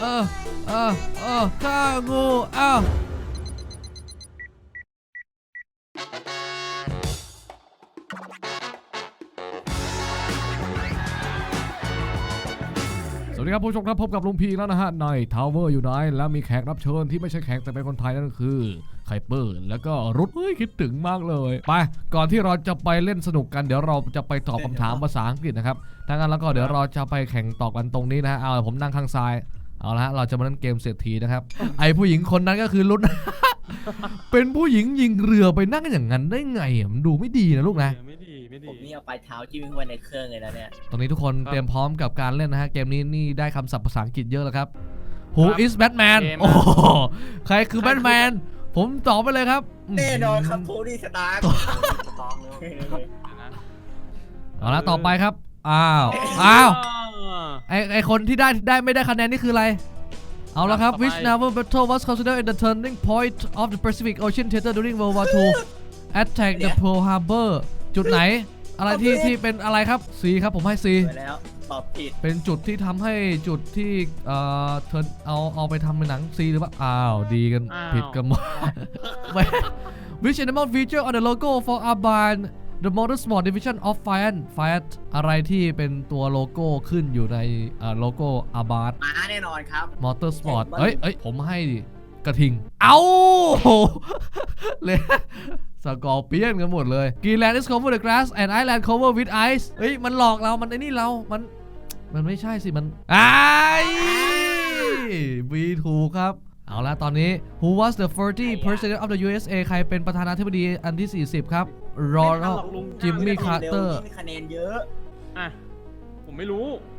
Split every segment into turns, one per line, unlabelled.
ฆ่างูสวัสดีครับผู้ชมครับพบกับลุงพีแล้วนะฮะในทาวเวอร์อยู่ไหนแล้วมีแขกรับเชิญที่ไม่ใช่แขกแต่เป็นคนไทยนั่นก็คือไคเปอร์แล้วก็รุดคิดถึงมากเลยไปก่อนที่เราจะไปเล่นสนุกกันเดี๋ยวเราจะไปตอบคำถามภาษาอังกฤษนะครับถ้างั้นแล้วก็เดี๋ยวเราจะไปแข่งตอบกันตรงนี้นะฮะเอาผมนั่งข้างซ้ายเอาละฮะเราจะมาเล่นเกมเศรษฐีนะครับไอผู้หญิงคนนั้นก็คือรุด เป็นผู้หญิงยิงเรือไปนั่งอย่างนั้นได้ไงมันดูไม่ดีนะลูกนะ
ไม่ดี
ผมนี่เอาปลายเท้าจิ้มเข้าไปในเครื่องเลยนะเนี่ย
ตอนนี้ทุกคนเตรียมพร้อมกับการเล่นนะฮะเกมนี้นี่ได้คำศัพท์ภาษาอังกฤษเยอะแล้วครับ Who is Batman โอ้ใครคือแบทแมนผมตอบไปเลยครับ
แน่นอนครับโทนี่สตาร์
เอาละต่อไปครับไอคนที่ได้ไม่ได้คะแนนนี่คืออะไรเอาละครับ Which naval battle was considered in the turning point of the Pacific Ocean Theater during World War II Attack the Pearl Harbor จุดไหนอะไรที่เป็นอะไรครับ C ครับผมให้ C
แล้วตอบผิด
เป็นจุดที่ทำให้จุดที่เธอเอาไปทำเป็นหนัง C หรือเปล่าดีกันผิดกันหมด Which animal feature on the logo for Aban the Motorsport Division of Fiat อะไรที่เป็นตัวโลโก้ขึ้นอยู่ในโลโก้ Abarth
ม้าแน่นอนครับ
Motorsport เอ้ยผมให้กระทิงเลยสกอร์เปียนกันหมดเลย Greenland is covered with grass and Iceland covered with ice เฮ้ยมันหลอกเรามันไอ้นี่เรามันไม่ใช่สิมันบีถูกครับเอาละตอนนี้ Who was the 30th President of the USA ใครเป็นประธานาธิบดีอันที่40ครับรอนัลจิมมี่คาร์เตอร์
มีคะแนนเยอะ
ผมไม่รู้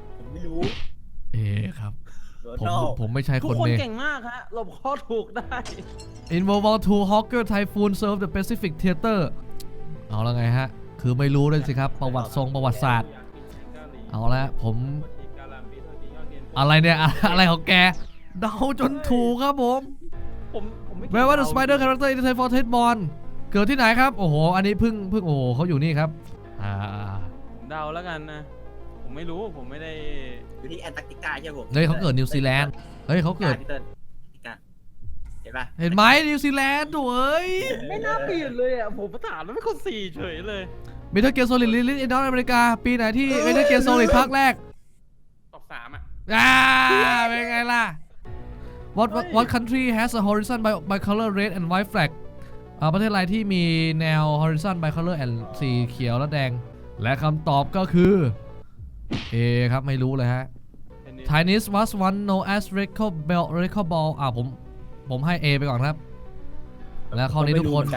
ครับผมไม่ใช่คน
ทุกคนเก่งมากฮะหลบข้อถูกได้
In World War II Hawker Typhoon served the Pacific Theater เอาละไงฮะคือไม่รู้เลยสิครับประวัติศาสตร์เอาละผมอะไรเนี่ยอะไรของแกเดาจนถูกครับผมแม้ว่า The Spider Character in the Typhoon Born เกิดที่ไหนครับโอ้โหอันนี้เพิ่งโอ้โหเขาอยู่นี่ครับ
ผมเดาแล้วกันนะผมไม่รู้ผมไม่ได้
อยู่ที่แอนตาร์กติกาใช่ไหมผม
เฮ้ยเขาเกิดนิวซีแลนด์เฮ้ยเขาเกิด
เห็นปะ
เห็นไหมนิวซีแลนด์ตัว
ไม่น่าเปลี่ยนเลยอ่ะผมประถามแล้วไม่คนสี่เฉยเลย
เมทัลเกียร์โซลิดลิลิทอินดอร์อเมริกาปีไหนที่เมทัลเกียร์โซลิดภาคแรก
ตอบ3
เป็นไงล่ะ What country has a horizon by color red and white flag ประเทศอะไรที่มีแนว horizon by color and สีเขียวและแดงและคำตอบก็คือครับไม่รู้เลยฮะ Chinese was one known as record ball ผมให้ A ไปก่อนครับแล้วข้อนี้ทุกคน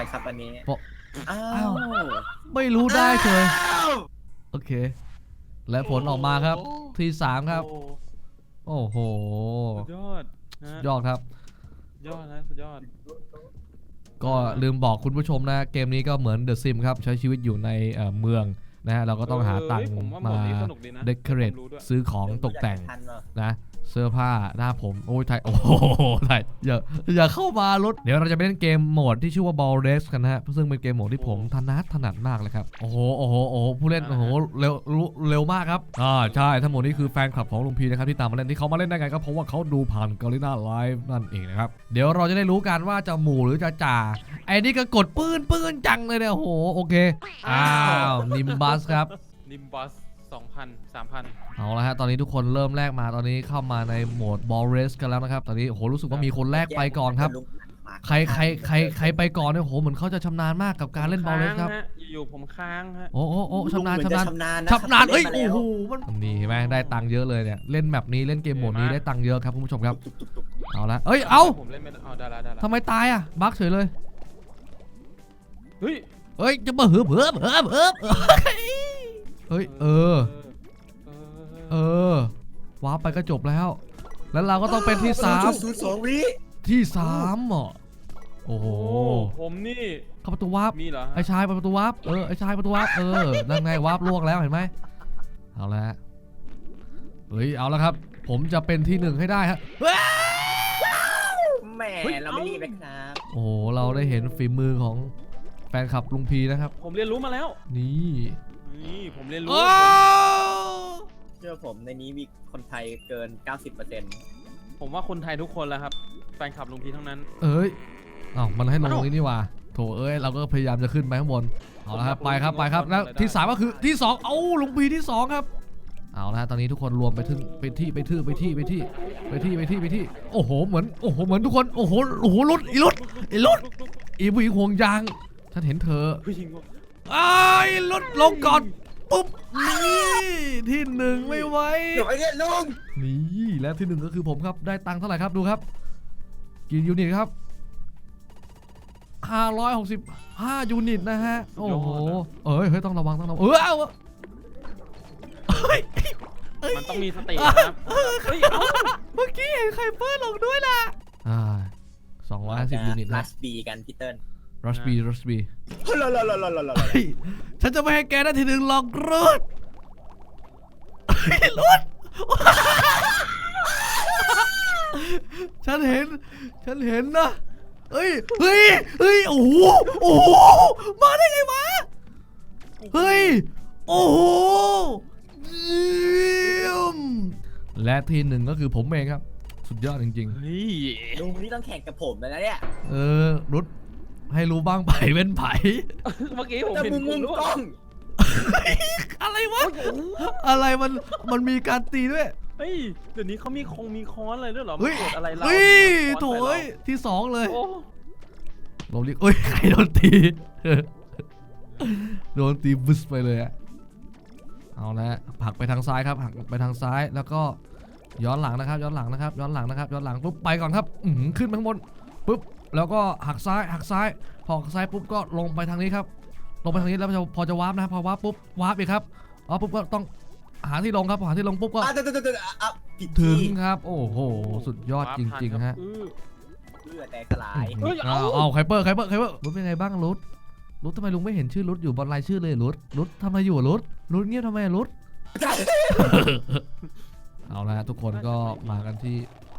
ไม่รู้ได้เลยโอเคและผลออกมาครับที่3ครับโอ้โหยอดครับ
สุดยอด
ก็ลืมบอกคุณผู้ชมนะเกมนี้ก็เหมือน The Sims ครับใช้ชีวิตอยู่ในเมืองนะฮะเราก็ต้องหาตังค์มาเดคอเรทซื้อของตกแต่งนะเสื้อผ้าหน้าผมโอ้ยไทยโอ้โหไทยอย่าเข้ามารถเดี๋ยวเราจะไปเล่นเกมโหมดที่ชื่อว่า Ball Race กันนะฮะซึ่งเป็นเกมโหมดที่ผมถนัดมากเลยครับโอ้โหผู้เล่นโอ้โหเร็วมากครับใช่ทั้งหมดนี้คือแฟนคลับของลุงพีนะครับที่ตามมาเล่นที่เขามาเล่นได้ไงก็เพราะว่าเขาดูผ่านกอริน่าไลฟ์นั่นเองนะครับเดี๋ยวเราจะได้รู้กันว่าจะหมู่หรือจะจ่าไอ้นี่ก็กดปืนจังเลยเนี่ยโอ้โหโอเคนิมบัสครับ
นิมบัส2,000 3,000
เอาละฮะตอนนี้ทุกคนเริ่มแรกมาตอนนี้เข้ามาในโหมด Ball Race กันแล้วนะครับตอนนี้โอ้โหรู้สึกว่ามีคนแรกไปก่อนครับใครไปก่อนเนี่ยโอ้โหเหมือนเขาจะชำนาญมากกับการเล่น Ball Race ครับ
อยู่ผมค้างฮะ
โอ้ชำนาญเอ้ยโอ้โหมันนี่เห็นไหมได้ตังค์เยอะเลยเนี่ยเล่นแบบนี้เล่นเกมโหมดนี้ได้ตังค์เยอะครับคุณผู้ชมครับเอาละ
ผมเล่นไม่ได้
ทำไมตายอ่ะบั๊กเฉยเลย
เ
ฮ้ยจะมาเฮ้ยว้าไปก็จบแล้วเราก็ต้องเป็นที่3ที่3อ่ะโอ้โห
ผมนี่
เข้าประตูวาร์ป
มีเหรอ
ไอ้ชายประตูวาร์ปไอ้ชายประตูวาร์ปนั่นไงวาร์ปล่วงแล้วเห็นไหมเอาละเอาละครับผมจะเป็นที่1ให้ได้ฮะ
แหมเราไม่รีบนะครับ
โอ้เราได้เห็นฝีมือของแฟนคลับลุงพีนะครับ
ผมเรียนรู้มาแล้ว
นี่
ผมเรียนรู้
เชื่อผมในนี้มีคนไทยเกิน 90%
ผมว่าคนไทยทุกคนแล้วครับแฟนคลับลุงพีทั้งนั้น
เอ้ยมันให้ลงตรงนี้นี่ว่าโถเอ้ยเราก็พยายามจะขึ้นไปข้างบนเอาละครับไปครับไปครับแล้วที่3ก็คือที่2เอาลุงพีที่2ครับเอาละตอนนี้ทุกคนรวมไปที่โอ้โหเหมือนทุกคนโอ้โหรุดอีผู้หญิงห่วงยางฉันเห็นเธอ
ผู้หญิง
ไอ้รถลงก่อนปุ๊บนี่ที่1ไม่ไหว
เดี๋ยวไอ้เนี่ยลุง
นี่แล้วที่1ก็คือผมครับได้ตังค์เท่าไหร่ครับดูครับกี่ยูนิตครับ565ยูนิตนะฮะโอ้โหเฮ้ยต้องระวังเอา
มันต้องมีสตินะครับ
เมื่อกี้เห็นไคเปอร์ลงด้วยล่ะ250ยูนิต
รั
นะ
สบีกันพี่เติ้ล
รัสบี
เฮ้ย
ฉันจะไม่ให้แกได้ที่1หรอกรุดฉันเห็นนะเฮ้ยโอ้โหมาได้ไงวะเฮ้ยโอ้โหเยี่ยมและที่1ก็คือผมเองครับสุดยอดจริง
เฮ้ย
ลุงนี่ต้องแข่งกับผมเลยนะเนี่ย
ๆรุดให้รู้บ้างไผ่เป็นไผ่
เมื่อกี้ผม
แต่
เห็น
มุมกล้อง
อะไรวะอะไรมันมีการตีด้วย
เฮ้ยเดี๋ยวนี้เขามีค้อนอะไรด้วยเหรอ
เฮ้ย
กดอะไรเรา
เฮ้ย
ค้อน
โถ
ใส่
เอ้ยที่2เลย
โอ้
เราเรียกเอ้ยใครโดนตีโดนตีบึ้สไปเลยอะเอาละผลักไปทางซ้ายครับผลักไปทางซ้ายแล้วก็ย้อนหลังนะครับย้อนหลังปุ๊บไปก่อนครับขึ้นไปข้างบนปุ๊บแล้วก็หักซ้ายพอหักซ้ายปุ๊บก็ลงไปทางนี้ครับลงไปทางนี้แล้วพอจะวาร์ปนะครับพอวาร์ปปุ๊บวาร์ปอีกครับปุ๊บก็ต้องหาที่ลงครับหาที่ลงปุ๊บก็
ผิด
ถึ
ที่
งครับโอ้โหสุดยอดจริงๆฮะ
เลือดแตกสลาย
เอาไคเปอร์รุดเป็นไงบ้างรุดทำไมลุงไม่เห็นชื่อรุดอยู่บนรายชื่อเลยรุดทำอะไรอยู่รุดเงียบทำไมรุด เอาละทุกคนก็มากันที่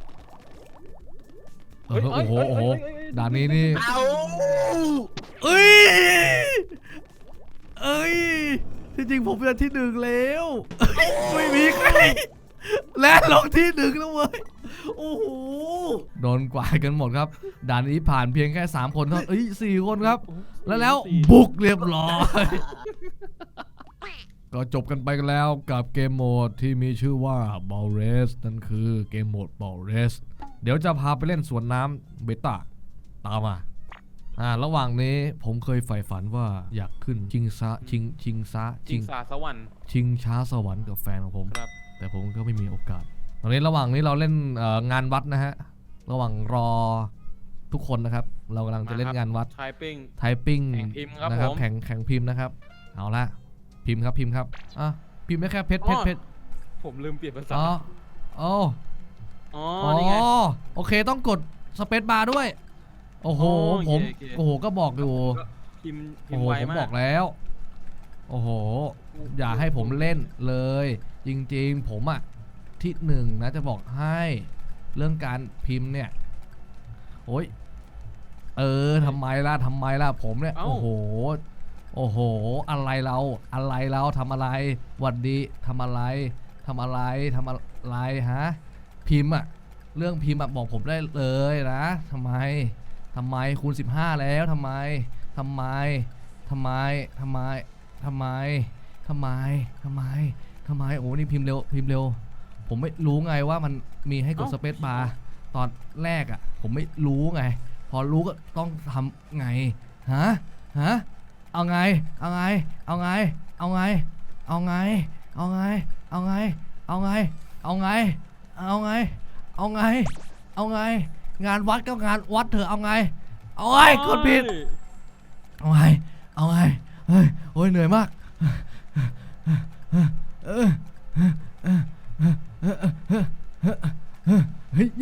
โอ้โหด่านนี้นี่
เอา
เอ้ยที่จริงผมเป็นที่1แล้วไม่มีใครและลงที่1แล้วเว้ยโอ้โหโดนกวาดกันหมดครับด่านนี้ผ่านเพียงแค่3คนเท่า4คนครับแล้วบุกเรียบร้อยก็จบกันไปกันแล้วกับเกมโหมดที่มีชื่อว่า Ball Race นั่นคือเกมโหมด Ball Race เดี๋ยวจะพาไปเล่นสวนน้ำเบต้าตามมาระหว่างนี้ผมเคยใฝ่ฝันว่าอยากขึ้นชิงช้าสวรรค์กับแฟนของผมแต่ผมก็ไม่มีโอกาสตอนนี้ระหว่างนี้เราเล่นงานวัดนะฮะระหว่างรอทุกคนนะครับเรากำลังจะเล่นงานวัดไทปิ้งนะครับแข่งพิมพ์นะครับเอาละพิมพ์ครับพิมพ์ได้แค่เพชร
ผมลืมเปลี่ยนภาษา
นี่ไงโอเคต้องกดสเปซบาร์ด้วยโอ้โหผมโอ้โหก็บอกอยู่
พิม
โอ้โห
ไว
ผม
มาก
บอกแล้วโอ้โหอย่าให้ผมเล่นเลยจริงๆผมอะที่1นะจะบอกให้เรื่องการพิมพ์เนี่ยโอ้ยทำไมล่ะผมเนี่ยโอ้โหอะไรเราทำอะไรหวัดดีทำอะไรฮะพิมพ์อะเรื่องพิมพ์อะบอกผมได้เลยนะทำไมคูณ15แล้วทำไมโอ้นี่พิมพ์เร็วผมไม่รู้ไงว่ามันมีให้กดสเปซบาร์ตอนแรกอะผมไม่รู้ไงพอรู้ก็ต้องทำไงฮะเอาไงงานวัดก็งานวัดเถอะเอาไงกดผิดเอาไงเฮ้ยโอ้ยเหนื่อยมากเฮ้ย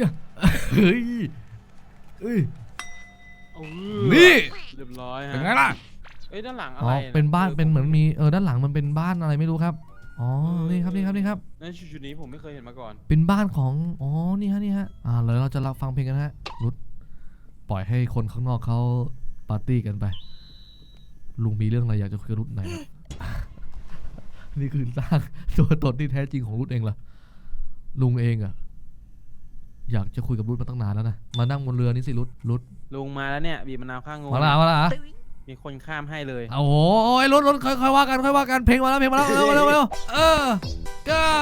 นี่
เรียบร้อยฮะ
เป็นไงล่ะ
ด้านหลังอะไร
เป็นบ้านเป็นเหมือนมีด้านหลังมันเป็นบ้านอะไรไม่รู้ครับนี่ครับ
ในชุดนี้ผมไม่เคยเห็นมาก่อน
เป็นบ้านของนี่ฮะเลยเราจะรับฟังเพลงกันฮะรุดปล่อยให้คนข้างนอกเขาปาร์ตี้กันไปลุงมีเรื่องอะไรอยากจะคุยกับรุดไหน นี่คือสร้างตัวตนที่แท้จริงของรุดเองเหรอลุงเองอะอยากจะคุยกับรุดมาตั้งนานแล้วนะมานั่งบนเรือนี่สิรุด
ลุงมาแล้วเนี่ยบีบมะนาวข้างงู
มาละ
มีคนข้ามให้เลย
โอ้โหรุดค่อยว่ากันเพลงมาแล้วเร็วก็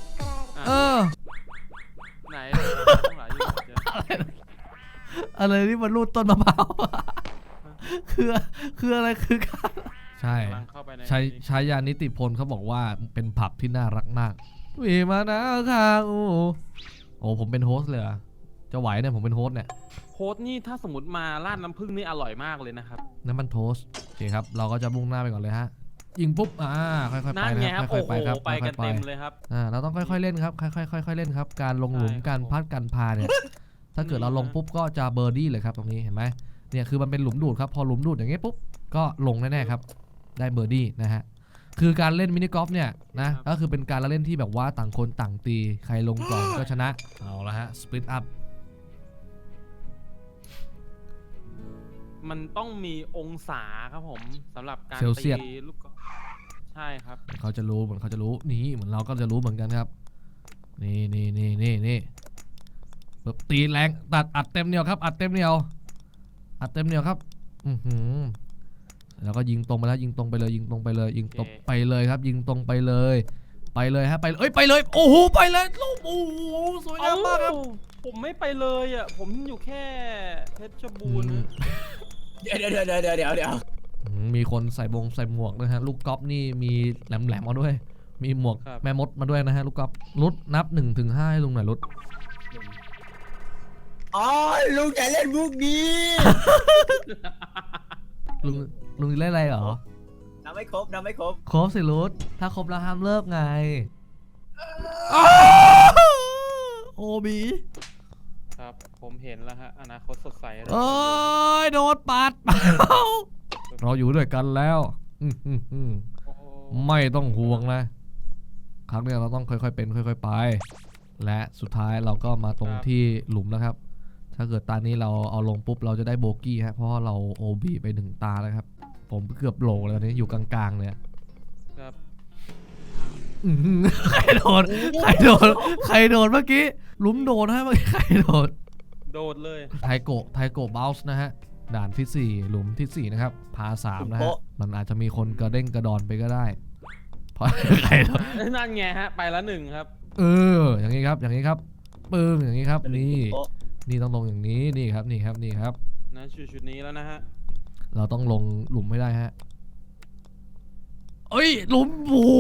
ไหนข้างหลังอยู่เจอ
อะไรนี่มันรูดต้นมะพร้าวคืออะไรคือการใช่
กำลังเข้าไปใน
ใช้ยานิติพลเขาบอกว่าเป็นผับที่น่ารักมากวีมานะค่ะโอ้ผมเป็นโฮสต์เลยอะจะไหวเนี่ยผมเป็นโฮสต์เนี่ย
โค้ดนี่ถ้าสมมติมาราดน้ำผึ้งนี่อร่อยมากเลยนะครับ
น้ำมันโทสต์โอเคครับเราก็จะมุ่งหน้าไปก่อนเลยฮะยิงปุ๊บค่อยๆไป
นั่นไง
นะครับ
โอ้
ค่อยๆ
โห
ไปครับ
ไปกัน
ค่อยๆ
เต็มเลยครับ
เราต้องค่อยๆเล่นครับค่อยๆเล่นครับการลงหลุม
ใช่
การพัดการพาเนี่ยถ้าเกิดเราลงปุ๊บก็จะเบอร์ดี้เลยครับตรงนี้เห็นไหมเนี่ยคือมันเป็นหลุมดูดครับพอหลุมดูดอย่างเงี้ยปุ๊บก็ลงแน่ๆครับได้เบอร์ดี้นะฮะคือการเล่นมินิกอล์ฟเนี่ยนะก็คือเป็นการละเล่นที่แบบว่าต่างคนต่างตีใครลงก่อนก็ชนะเอาละฮะสปลิตอัพ
มันต้องมีองศาครับผมสำหรับการ
เซลเซี
ตี
ยส
ลูกกอล์ฟใช่ครับ
เขาจะรู้เหมือนเขาจะรู้นี่เหมือนเราก็จะรู้เหมือนกันครับนี่แบบตีแรงตัดอัดเต็มเหนียวครับอัดเต็มเหนียวครับแล้วก็ยิงตรงไปแล้วยิงตรงไปเลยยิงตรงไปเลยยิงตรงไปเลยครับยิงตรงไปเลยฮะไปเลยโอ้โหไปเลยลูกโอ้โหสวยงามมากครับ
ผมไม่ไปเลยอ่ะผมอยู่แค่เพชรบูรณ์นะ
เดี๋ยว
มีคนใส่หมวกนะฮะลูกกอล์ฟนี่มีแหลมมาด้วยมีหมวกแม่มดมาด้วยนะฮะลูกกอล์ฟรุดนับ1 ถึง 5ให้ลุงหน่อยรุด
อ๋อลุงจะเล่นมุกนี้
ลุงเล่นอะไรเหรอ
นับไม่ครบ
ครบสิรุดถ้าครบแล้วห้ามเลิกไงโอบี
ครับผมเห็นแล้วฮะอนาคตสดใสเลย
เอ้ยโดนปาดเราอยู่ด้วยกันแล้ว
โอ้โห
ไม่ต้องห่วงนะครั้งนี้เราต้องค่อยๆเป็นค่อยๆไปและสุดท้ายเราก็มาตรงที่หลุมแล้วครับถ้าเกิดตานี้เราเอาลงปุ๊บเราจะได้โบกี้ฮะเพราะว่าเราโอบีไป1 ตาแล้วครับผมเกือบโหลแล้วนี้อยู่กลางๆเลย
ครับ
ใครโดนเมื่อกี้หลุมโดนฮะเมื่อกี้ใครโดน
โดดเลย
ไทโกะเบลส์นะฮะด่านที่4หลุมที่4นะครับพา3นะฮะมันอาจจะมีคนกระเด้งกระดอนไปก็ได้เพราะใครโดน
นั่นไงฮะไปละ1ครับ
อย่างนี้ครับปึ้งอย่างนี้ครับนี่ต้องลงอย่างนี้นี่ครับ
นะชุดนี้แล้วนะฮะ
เราต้องลงหลุมไม่ได้ฮะเอ้ยหลุมโอ้โห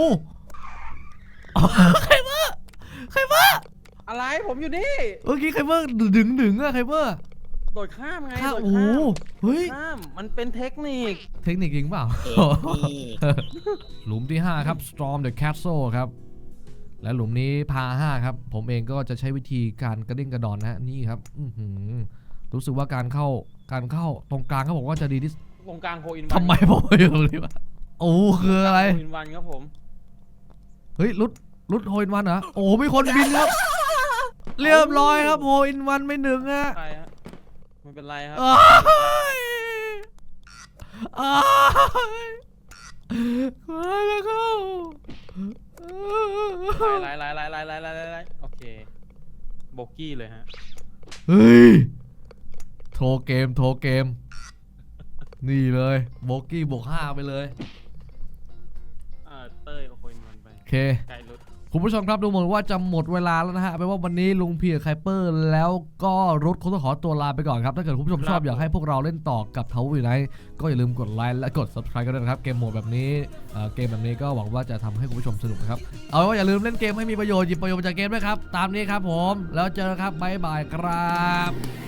ใครมา
อะไรผมอยู่นี่
เมื่อกี้ใครมาดึงอะใครมา
โดดข้ามไง
ข้า
โดด
โอ้
ข้าม
เฮ้ย
ข้ามมันเป็นเทคนิค
เทคนิคจริงเปล่า หลุมที่ 5 ครับ Storm the Castle ครับและหลุมนี้พา5ครับผมเองก็จะใช้วิธีการกระดิ่งกระดอนนะฮะนี่ครับรู้สึกว่าการเข้าตรงกลางเขาบอกว่าจะดีที่
ตรงกลางโฮอินวัน
ทำไมผมไม่อยู่ตรงนี้วะโอ้คืออะไร
โฮอินวันครับผม
เฮ้ยรุดโฮอินวันเหรอโอ้มีคนบินครับเรียบร้อยครับโฮอินวันไม่1ฮะ
ใครฮะไม่เป็นไรครับ
แล้วก็
ไล่โอเคโบกี้เลยฮะ
เฮ้ยโทรเกมนี่เลยโบกี้บวก5ไปเลย
เต้ยโฮอินวันไป
โอเค
ไกลรุด
คุณผู้ชมครับดูเหมือนว่าจะหมดเวลาแล้วนะฮะเป็นว่าวันนี้ลุงพีกับไคเปอร์แล้วก็รุดคงต้องขอตัวลาไปก่อนครับถ้าเกิดคุณผู้ชมชอบอยากให้พวกเราเล่นต่อกับทาวเวอร์ไนท์ก็อย่าลืมกดไลค์และกด subscribe กันด้วยนะครับเกมโหมดแบบนี้เกมแบบนี้ก็หวังว่าจะทำให้คุณผู้ชมสนุกนะครับเอาเป็นว่าอย่าลืมเล่นเกมให้มีประโยชน์หยิบประโยชน์จากเกมด้วยครับตามนี้ครับผมแล้วเจอกันครับบ๊ายบายครับ